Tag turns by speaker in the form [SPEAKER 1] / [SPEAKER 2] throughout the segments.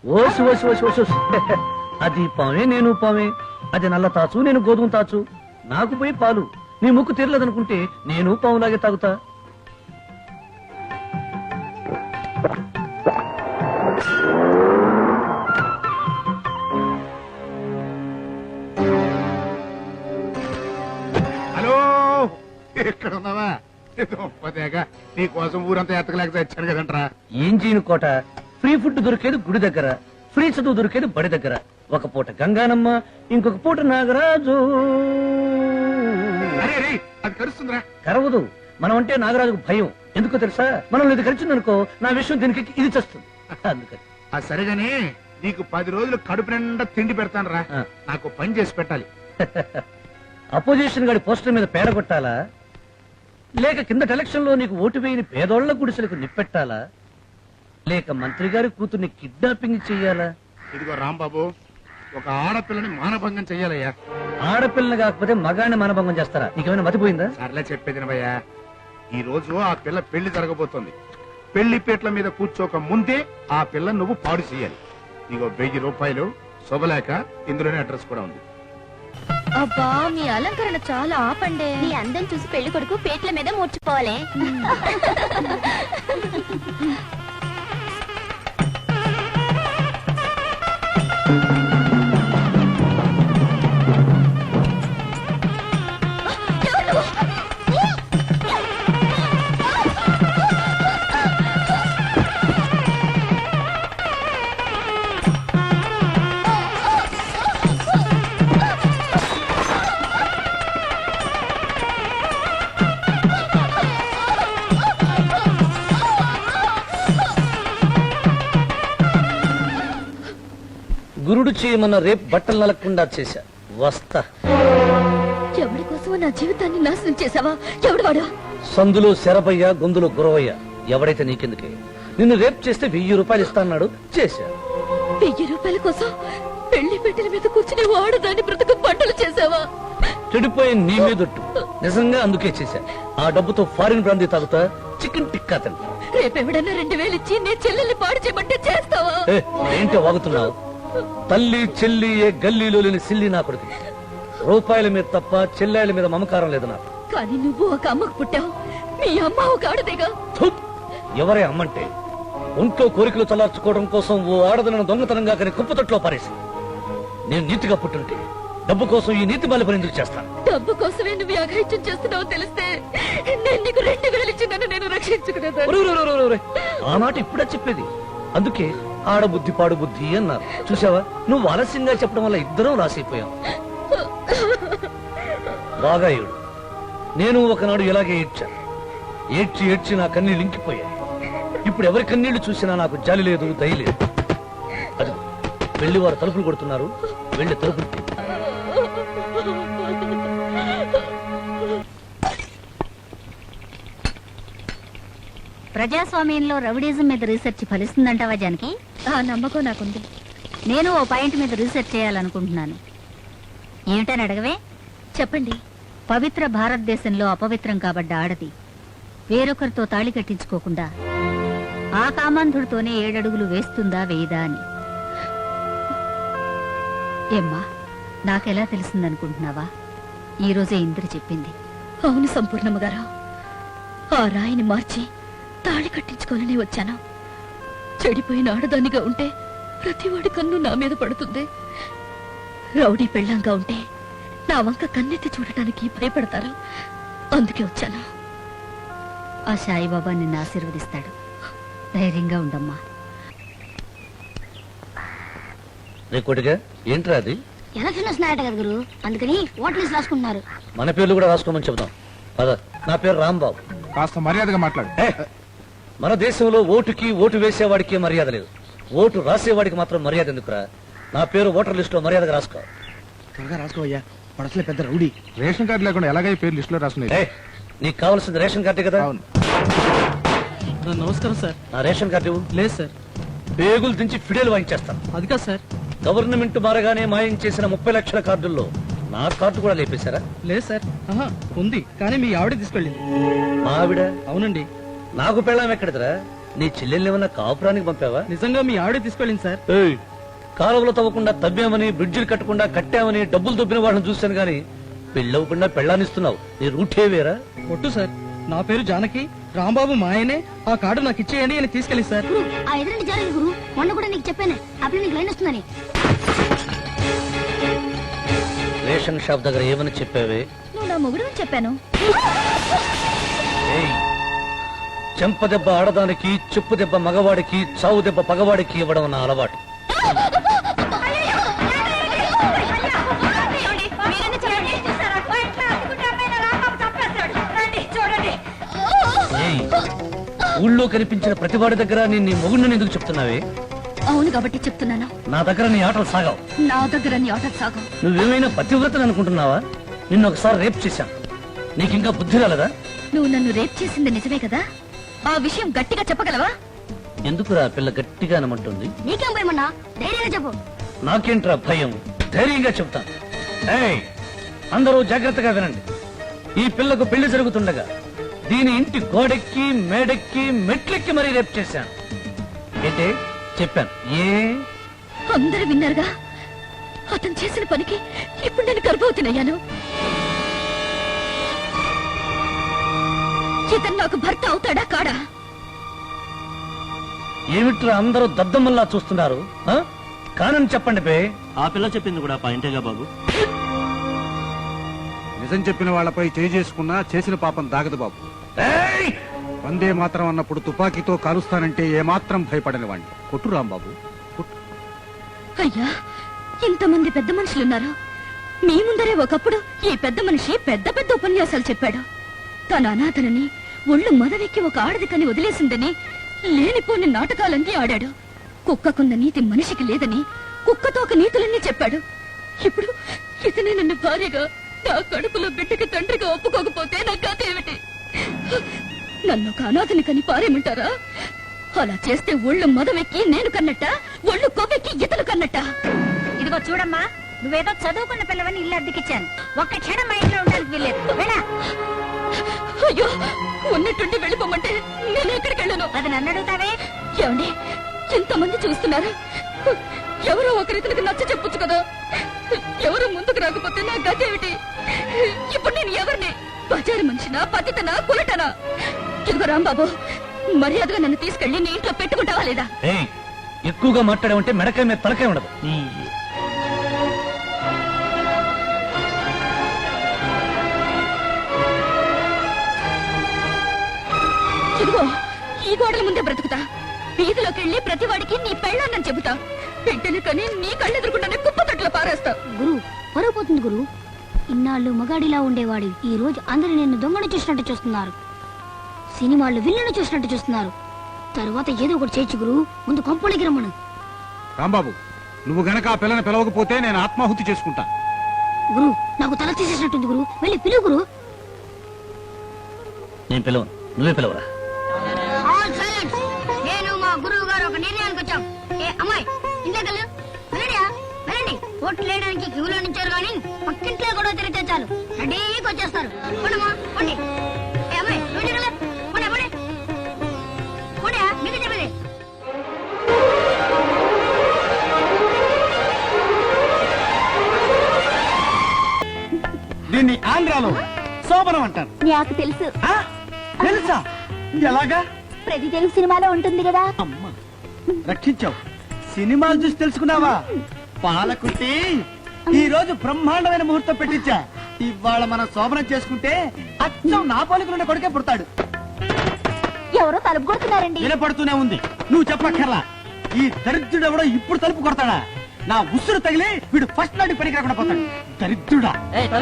[SPEAKER 1] OC ఓసి ఓసి ఓసి ఓసి. అది పామే నేను పామే, అది నల్ల తాచు నేను గోధుమ తాచు. నాకు పోయి పాలు, నీ ముక్కు తీరలేదనుకుంటే నేను పావులాగే తాగుతా.
[SPEAKER 2] హలో, ఇక్కడ ఉన్నావా? నీ కోసం ఊరంతా ఎత్తకలేక తెచ్చాను కదంట్రా.
[SPEAKER 1] ఏం చేయను కోట, ఫ్రీ ఫుడ్ దొరికేది గుడి దగ్గర, ఫ్రీ చదువు దొరికేది బడి దగ్గర. ఒక పూట గంగానమ్మ, ఇంకొక పూట నాగరాజు.
[SPEAKER 2] అరే అరే, అది కరుస్తుందిరా.
[SPEAKER 1] కరవదు, మనం అంటే నాగరాజుకు భయం. ఎందుకో తెలుసా? మనం ఇది కలిసిందనుకో నా విషయం దీనికి ఇది చేస్తుంది. అందుకని
[SPEAKER 2] అది సరేగాని నీకు 10 రోజులు కడుపు నిండా తిండి పెడతాను రా. నాకు పని చేసి పెట్టాలి.
[SPEAKER 1] అపోజిషన్ గాడి పోస్టర్ మీద పేడ కొట్టాలా, లేక కిందట ఎలక్షన్ లో నీకు ఓటు వేయని పేదోళ్ల గుడిసెలకు నిప్పెట్టాలా, లేక మంత్రి గారి కూతుర్ని కిడ్నాపింగ్ చెయ్యాలా?
[SPEAKER 2] ఇదిగో రాంబాబు, ఒక ఆడపిల్లని మానభంగం చెయ్యాలయ్యా.
[SPEAKER 1] ఆడపిల్లని కాకపోతే మగాన్ని మానభంగం చేస్తారా? నీకేమైనా మతిపోయిందా?
[SPEAKER 2] సర్లే చెప్పేదినవయ్యా. ఈ రోజు ఆ పిల్ల పెళ్లి జరగబోతోంది. పెళ్లి పీటల మీద కూర్చోక ముందే ఆ పిల్ల నువ్వు పాడు చేయాలి. నీకు 1000 రూపాయలు శుభలేక, ఇందులోనే అడ్రస్ కూడా ఉంది.
[SPEAKER 3] అబ్బా, మీ అలంకరణ చాలా ఆపండే. మీ అందం చూసి పెళ్లి కొడుకు పేట్ల మీద మూర్చిపోవాలి.
[SPEAKER 1] గురుడు చేయమన్న రేపు బట్టలు నలగకుండా చేశా. వస్తా.
[SPEAKER 3] ఎవడి కోసం నా జీవితాన్ని నాశనం చేసావా? ఎవడు వాడు?
[SPEAKER 1] సందులో శరభయ్య, గొంతులో గురవయ్య. ఎవడైతే నీకెందుకే? నిన్ను రేపు చేస్తే 1000 రూపాయలు ఇస్తాన్నాడు. చేశా.
[SPEAKER 3] 1000 రూపాయల కోసం పెళ్లి పెట్టెల మీద కూర్చుని వాడదాన్ని బ్రతుకు పంటలు చేసావా?
[SPEAKER 1] చెడిపోయి నీ మీదొట్టు. నిజంగా అందుకే చేశా. ఆ డబ్బుతో ఫారిన్ బ్రాందీ తాగుతా, చికెన్ టిక్కా తింటా.
[SPEAKER 3] రేపెవడన్నా 2000 ఇచ్చి నీ చెల్లెల్ని పాడు చేయమంటే చేస్తావా?
[SPEAKER 1] ఏంటో వాగుతున్నావు? తల్లి చెల్లి ఏ గల్లీలో లేని సిల్లి నా కొడుకు. రూపాయల మీద తప్ప చెల్లెల మీద మమకారం లేదు నాకు.
[SPEAKER 3] కానీ నువ్వు ఒక అమ్మకు పుట్టావు, మీ అమ్మ ఒక ఆడదేగా.
[SPEAKER 1] ఎవరే అమ్మంటే? ఒంట్లో కోరికలు చల్లార్చుకోవడం కోసం ఓ ఆడదనను దొంగతనంగా కానీ కుప్పతొట్లో పారేసి. నేను నీతిగా పుట్టుంటే డబ్బు కోసం ఈ నీతి బాలి పని ఎందుకు చేస్తాను?
[SPEAKER 3] డబ్బు కోసమే నువ్వు అఘాయిత్యం చేస్తున్నావు తెలిస్తే నేను నీకు 2000 ఇచ్చి నన్ను నేను రక్షించుకునేదాన్ని.
[SPEAKER 1] ఆ మాట ఇప్పుడే చెప్పేది. అందుకే ఆడబుద్ధి పాడు బుద్ధి అన్నారు. చూసావా, నువ్వు ఆలస్యంగా చెప్పడం వల్ల ఇద్దరం రాసైపోయాం. బాగా ఏడు. నేను ఒకనాడు ఇలాగే ఏడ్చాను. ఏడ్చి ఏడ్చి నా కన్నీళ్ళు ఇంకిపోయాయి. ఇప్పుడు ఎవరి కన్నీళ్లు చూసినా నాకు జాలి లేదు, దయ లేదు. అది వెళ్ళి వారు తలుపులు కొడుతున్నారు. వెళ్ళి తలుపులు.
[SPEAKER 4] ప్రజాస్వామ్యంలో రౌడీజం మీద రీసెర్చ్ ఫలిస్తుందంటావా జానకి?
[SPEAKER 3] ఆ నమ్మకం నాకుంది.
[SPEAKER 4] నేను ఓ పాయింట్ మీద రీసెర్చ్ చేయాలనుకుంటున్నాను. ఏమిటని అడగవే?
[SPEAKER 3] చెప్పండి.
[SPEAKER 4] పవిత్ర భారతదేశంలో అపవిత్రం కాబడ్డ ఆడది వేరొకరితో తాళి కట్టించుకోకుండా ఆ కామాంధుడితోనే 7 అడుగులు వేస్తుందా వేయదా అని. ఏమ్మా, నాకెలా తెలిసిందనుకుంటున్నావా? ఈ రోజే ఇంద్ర చెప్పింది.
[SPEAKER 3] అవును సంపూర్ణమ్మ గారు, ఆ రాయిని మార్చి తాళి కట్టించుకోవాలని వచ్చాను. చెడిపోయిన ఆడదానిగా ఉంటే ప్రతివాడి కన్ను నా మీద పడుతుంది. రౌడీ పెళ్ళంగా ఉంటే నా వంక కన్నెత్తి చూడటానికి భయపడతారు. అందుకే వచ్చాను.
[SPEAKER 4] ఆ సాయిబాబా నిన్ను ఆశీర్వదిస్తాడు. ధైర్యంగా ఉండమ్మా.
[SPEAKER 1] రేకోటిగా ఏంట్రా అది?
[SPEAKER 4] ఎలక్షన్ వస్తున్నాయట కదా గురు, అందుకని ఓట్ లిస్ట్ రాసుకుంటున్నారు.
[SPEAKER 1] మన పేర్లు కూడా రాసుకోమని చెబుతాం. పద. నా పేరు రాంబాబు.
[SPEAKER 2] కాస్త మర్యాదగా మాట్లాడు.
[SPEAKER 1] మన దేశంలో ఓటుకి ఓటు వేసేవాడికి మర్యాద లేదు. ఓటు రాసేవాడికి మాత్రం మర్యాద ఎందుకురా? నా పేరు ఓటర్ లిస్ట్ లో మర్యాదగా రాసుకో.
[SPEAKER 5] త్వరగా రాసుకోవయ్యా, పడసలే పెద్ద రౌడీ.
[SPEAKER 2] రేషన్ కార్డు లేకుండా ఎలాగై పేరు లిస్ట్ లో రాసుకున్నాయి?
[SPEAKER 1] నీకు కావాల్సింది రేషన్ కార్డు కదా?
[SPEAKER 2] అవును.
[SPEAKER 5] నమస్కారం సార్.
[SPEAKER 1] నా రేషన్ కార్డు ఇవ్వు.
[SPEAKER 5] లేదు సార్.
[SPEAKER 1] పేగులు దించి ఫిడేలు వాయించేస్తాను.
[SPEAKER 5] అది కాదు సార్.
[SPEAKER 1] గవర్నమెంట్ మారగానే మాయం చేసిన 30 లక్షల కార్డుల్లో నా కార్డు కూడా లేపేశారా?
[SPEAKER 5] లేదు సార్. ఉంది, కానీ మీ ఆవిడ తీసుకెళ్ళింది.
[SPEAKER 1] మా ఆవిడ?
[SPEAKER 5] అవునండి.
[SPEAKER 1] నాకు పెళ్ళాం ఎక్కడిదిరా? నీ చెల్లెల్ని ఏమన్నా కాపురానికి పంపావా?
[SPEAKER 5] నిజంగా మీ ఆవిడే తీసుకెళ్ళింది సార్.
[SPEAKER 1] ఏయ్, కాలువలు తవ్వకుండా తవ్వామని బ్రిడ్జిలు కట్టకుండా కట్టామని డబ్బులు దొబ్బిన వాళ్ళని చూశాను గాని పెళ్ళవకుండా పెళ్ళానిస్తున్నావు. నీ రూటే వేరా?
[SPEAKER 5] కొట్టు సార్, నా పేరు జానకి, రాంబాబు మా ఆయనే. ఆ కార్డు నాకు ఇచ్చేయండి అని తీసుకెళ్ళి సార్.
[SPEAKER 6] గురు ఆ ఎదురంటి జరగదు గురు. మొన్న కూడా నీకు చెప్పాను అప్పుడు నీకు లైన్ వస్తుందని.
[SPEAKER 1] రేషన్ షాప్ దగ్గర ఏమని చెప్పావే?
[SPEAKER 3] నువ్వు నా మొగుడు అని చెప్పాను.
[SPEAKER 1] ఏయ్, చెంప దెబ్బ ఆడదానికి, చెప్పు దెబ్బ మగవాడికి, చావు దెబ్బ పగవాడికి ఇవ్వడం నా అలవాటు. ఏయ్, ఊళ్ళో కనిపించిన ప్రతివాడి దగ్గర నేను నీ మొగుడిని ఎందుకు చెప్తున్నావే?
[SPEAKER 3] అవును కాబట్టి చెప్తున్నాను.
[SPEAKER 1] నా దగ్గర నీ ఆటలు సాగావు.
[SPEAKER 3] నా దగ్గర నీ ఆట సాగం.
[SPEAKER 1] నువ్వేమైనా పతివ్రతని అనుకుంటున్నావా? నిన్ను ఒకసారి రేప్ చేశాను. నీకింకా బుద్ధి రాలేదా?
[SPEAKER 3] నువ్వు నన్ను రేప్ చేసింది నిజమే కదా? ఆ విషయం గట్టిగా చెప్పగలవా?
[SPEAKER 1] ఎందుకురా పిల్ల గట్టిగా అనమంటుంది?
[SPEAKER 6] నీకేం భయమన్నా? ధైర్యంగా చెప్పు.
[SPEAKER 1] నాకేంట్రా భయం? ధైర్యంగా చెప్తాను. ఏయ్, అందరూ జాగ్రత్తగా వినండి. ఈ పిల్లకు పెళ్లి జరుగుతుండగా దీని ఇంటి గోడెక్కి, మేడెక్కి, మెట్లెక్కి మరీ రేప్ చేశాను. ఏంటే చెప్పాను? ఏ
[SPEAKER 3] అందరూ విన్నారుగా? అతను చేసిన పనికి ఇప్పుడు నేను గర్భవతినయ్యాను. ఇతను నాకు భర్త అవుతాడా కాడా?
[SPEAKER 1] ఏమిట్రా అందరూ దద్దమ్మల్లా చూస్తున్నారు? ఆ? కానని చెప్పండి బే.
[SPEAKER 7] ఆ పిల్ల చెప్పింది కూడా పాయింటేగా బాబు.
[SPEAKER 8] నిజం చెప్పిన వాళ్ళపై చేసుకున్నా చేసిన పాపం దాగదు బాబు.
[SPEAKER 1] ఏయ్!
[SPEAKER 8] వందే మాత్రం అన్నప్పుడు తుపాకీతో కాలుస్తానంటే ఏమాత్రం భయపడని వాణ్ణి. కొట్టు రాంబాబు, కొట్టు.
[SPEAKER 3] అయ్యా, ఇంతమంది పెద్ద మనుషులున్నారు. మీ ముందరే ఒకప్పుడు ఈ పెద్ద మనిషి పెద్ద పెద్ద ఉపన్యాసాలు చెప్పాడు. తన అనాథనని, ఒళ్ళు మదవెక్కి ఒక ఆడదికని వదిలేసిందని లేనిపోని నాటకాలన్నీ ఆడాడు. కుక్కకున్న నీతి మనిషికి లేదని కుక్కతో ఒక నీతులన్నీ చెప్పాడు. ఇప్పుడు ఇతనే నన్ను భార్యగా, నా కడుపులో బిడ్డకి తండ్రిగా ఒప్పుకోకపోతే నా కథ ఏమిటి? నన్ను ఒక అనాథని కని పారేమంటారా? అలా చేస్తే ఒళ్ళు మదవెక్కి నేను కన్నట్ట, ఒళ్ళు కొవ్వెక్కి ఇతను కన్నట్ట.
[SPEAKER 4] ఇదిగో చూడమ్మా, నువ్వేదో చదువుకున్న పిల్లవని ఇల్లు అద్దెకిచ్చాను. ఒక్క క్షణం మా ఇంట్లో ఉండడానికి వీల్లేదు. వెళ్ళా.
[SPEAKER 3] అయ్యో, ఉన్నట్టుండి వెళ్ళిపోమంటే నేను ఎక్కడికి వెళ్ళను?
[SPEAKER 4] అది నన్ను అడుగుతావే?
[SPEAKER 3] ఏమండి, ఎంతమంది చూస్తున్నారు? ఎవరో ఒకరితనికి నచ్చ చెప్పొచ్చు కదా. ఎవరు ముందుకు రాకపోతే నా గతి ఏమిటి? ఇప్పుడు నేను ఎవరిని? బజారు మనిషినా, పతితనా, కులటనా? ఇదిగో రాంబాబు, మర్యాదగా నన్ను తీసుకెళ్లి నీ ఇంట్లో పెట్టుకుంటావా లేదా?
[SPEAKER 1] ఏయ్, ఎక్కువగా మాట్లాడామంటే మెడకాయ మీద తలకాయ ఉండదు.
[SPEAKER 3] ఇదిగో ఈ గోడల ముందే బ్రతుకుతా. వీధిలోకి వెళ్ళి ప్రతి వాడికి నీ పెళ్ళాన్నని చెబుతా. బిడ్డని కని నీ కళ్ళెదురుకుండానే కుప్పతొట్లో పారేస్తా.
[SPEAKER 6] గురు పరువు పోతుంది గురు. ఇన్నాళ్ళు మగాడిలా ఉండేవాడు ఈ రోజు అందరూ నిన్ను దొంగను చూసినట్టు చూస్తున్నారు. సినిమాల్లో విల్లును చూసినట్టు చూస్తున్నారు. తర్వాత ఏదో ఒకటి చేయొచ్చు గురు. ముందు కొంపలోకి రమ్మను.
[SPEAKER 8] రాంబాబు, నువ్వు గనక ఆ పిల్లని పిలవకపోతే నేను ఆత్మాహుతి చేసుకుంటా.
[SPEAKER 6] గురు నాకు తల తీసేసినట్టుంది గురు. వెళ్ళి పిలువు గురు.
[SPEAKER 1] నేను పిలవను, నువ్వే పిలవరా.
[SPEAKER 6] నేను మా గురువు గారు ఒక నిర్ణయానికి వచ్చాం. ఏ అమ్మాయి, ఇంతకల్లు వెళ్ళడియా, వెళ్ళండి. ఓట్లు వేయడానికి క్యూలో నుంచారు కానీ పక్కింట్లో కూడా తిరిగితే చాలు రెడీకి వచ్చేస్తారు. పోనమ్మా, పోండి. ఏ అమ్మాయి, వెళ్ళి కదా, పోనీ పోనీ పోనీ, మీకు చెప్పేది.
[SPEAKER 5] దీన్ని ఆంధ్రాలో శోభనం అంటారు.
[SPEAKER 6] నాకు తెలుసు.
[SPEAKER 5] ఆ? తెలుసా? ఎలాగా?
[SPEAKER 6] ప్రతి తెలుగు సినిమాలో ఉంటుంది కదా.
[SPEAKER 5] అమ్మా, రక్షించావు. సినిమాలు చూసి తెలుసుకున్నావా? పాలకుట్టి ఈ రోజు బ్రహ్మాండమైన ముహూర్తం పెట్టించా. ఇవాళ మనం శోభనం చేసుకుంటే అచ్చం నా పోలికలుండే కొడుకే పుడతాడు.
[SPEAKER 6] ఎవరో తలుపు కొడుతున్నారండి.
[SPEAKER 5] వినపడుతూనే ఉంది, నువ్వు చెప్పక్కర్లా. ఈ దరిద్రుడు ఎవడో ఇప్పుడు తలుపు కొడతాడా? నా ఉసురు తగిలి వీడు ఫస్ట్ నాటి పనికి రాకుండా పోతాడు. దరిద్రుడా!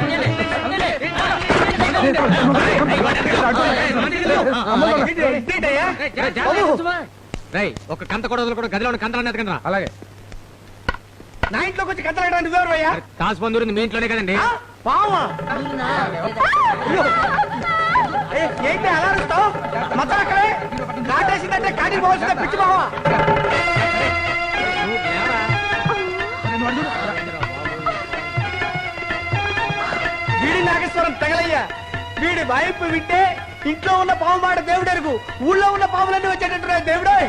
[SPEAKER 7] ఒక కంత కూడా వదలకుండా గదిలో ఉన్న కంతలు అన్నది కదా.
[SPEAKER 5] అలాగే. నా ఇంట్లోకి వచ్చి కథలాడడానికి నువ్వెవరు అయ్యా?
[SPEAKER 7] కాసు పొందూరింది మీ ఇంట్లోనే కదండి.
[SPEAKER 5] పావా? అయ్యో! ఏంటి అలా అరుస్తావు? మచ్చలు అక్కడే కాటేసిందంటే కాటికి పోవాల్సిందే పిచ్చి బావా. వీడి నాగేశ్వరం తగలయ్యా. వీడి వైపు వింటే ఇంట్లో ఉన్న పాము మాట దేవుడెరుగు, ఊళ్ళో ఉన్న పాములన్నీ వచ్చేటట్టున్నాయి దేవుడే.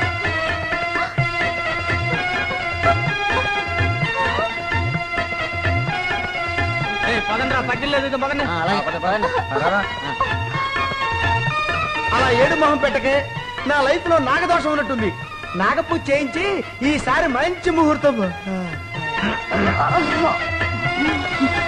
[SPEAKER 7] పదండ్రా పగిలేదు పదండి.
[SPEAKER 5] అలా ఏడు మొహం పెట్టకే, నా లైఫ్ లో నాగదోషం ఉన్నట్టుంది. నాగపూజ చేయించి ఈసారి మంచి ముహూర్తం.